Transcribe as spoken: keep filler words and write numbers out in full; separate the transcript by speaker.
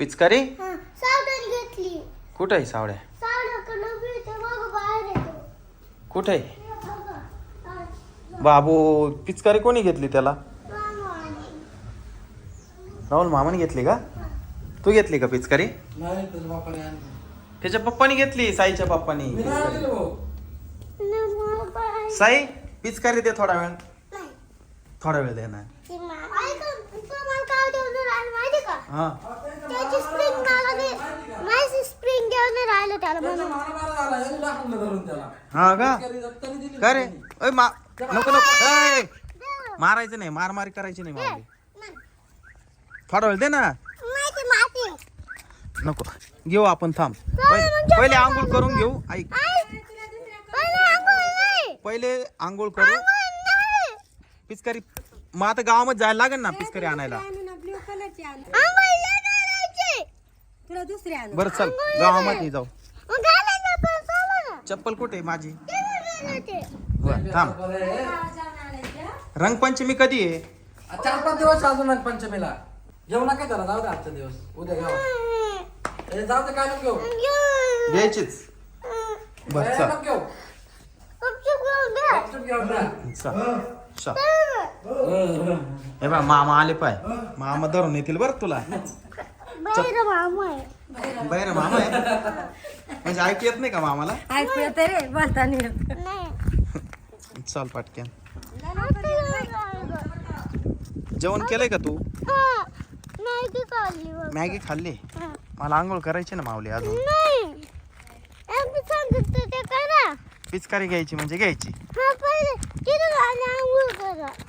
Speaker 1: पिचकारी
Speaker 2: सावधान घेतली.
Speaker 1: कुठे आहे सावड्या?
Speaker 2: सावधाकडं मिळते बघ बाहेर येतो.
Speaker 1: कुठे आहे बाबू? पिचकारी कोणी घेतली त्याला? राहुल मामाने घेतली का? तू घेतली का पिचकारी?
Speaker 3: नाही तर बापाने आणली.
Speaker 1: त्याच्या पप्पानी घेतली, साईच्या पप्पानी.
Speaker 3: मी नाही आणली भाऊ.
Speaker 1: साई पिचकारी दे थोडा वेळ. थोडा वेळ दे ना. हा
Speaker 2: त्याची स्प्रिंग मला दे. माझी स्प्रिंग घेऊन राहिलं त्याला
Speaker 3: त्याचा
Speaker 2: म्हणून.
Speaker 3: मारा मारा झाला, यांनी टाकलं धरून त्याला.
Speaker 1: हा का?
Speaker 3: पिचकारी दत्ताने दिली
Speaker 1: का रे?
Speaker 3: नाही.
Speaker 1: ओय मा नको नको ऐ मारायचं नाही, मार मारी करायची नाही मावली. थोडा वेळ दे ना.
Speaker 2: माहिती माहिती.
Speaker 1: नको घेऊ आपण, थांब. पहिले पहिले आंघोळ करून घेऊ. ऐक,
Speaker 2: पहिले आंघोळ नाही.
Speaker 1: पहिले आंघोळ करू. पिचकारी मग आता गावामध्ये जायला लागेल ना पिचकारी आणायला.
Speaker 4: ब्ल्यू कलरची आण.
Speaker 2: आंघोळ नाही करायची.
Speaker 4: तुला दुसरी आण.
Speaker 1: बरं चल गावामध्ये जाऊ.
Speaker 2: मग घालायला पण चालू ना.
Speaker 1: चप्पल कुठे आहे माझी?
Speaker 2: ते नाही घालायचे.
Speaker 1: बरं, थांब.
Speaker 3: बरं आहे.
Speaker 1: रंगपंचमी कधी आहे?
Speaker 3: चार पाच दिवस अजून आहेत पंचमीला. घेऊ नका त्याला, जाऊ दे आजचा दिवस, उद्या घेऊ. ए, जाऊ दे, काय नको घेऊ.
Speaker 2: घेऊन.
Speaker 1: घ्यायचीच. बरं
Speaker 3: ए,
Speaker 1: चल
Speaker 3: नको घेऊ.
Speaker 2: गुपचूप घेऊन घ्या.
Speaker 3: गपचूप घेऊ ना.
Speaker 1: चल चल. हे बा मामा आले पाय. मामा धरून येतील बरं तुला.
Speaker 2: बाहेर मामा आहे.
Speaker 1: बाहेर मामा आहे म्हणजे ऐकू येत नाही का मामाला?
Speaker 4: ऐकू येते रे, बोलता नाही येत.
Speaker 2: नाही.
Speaker 1: चल पटक्यान.
Speaker 2: हा.
Speaker 1: जेवण केलंय का तू?
Speaker 2: मॅगी खाल्ली बघ.
Speaker 1: मॅगी खाल्ली?
Speaker 2: हा.
Speaker 1: मला आंघोळ करायची ना माऊली अजून.
Speaker 2: नाही. आम्ही सांगितलं ते करा.
Speaker 1: पिचकारी घ्यायची म्हणजे घ्यायची.
Speaker 2: हा पहिले तिथून आणि आंघोळ करा.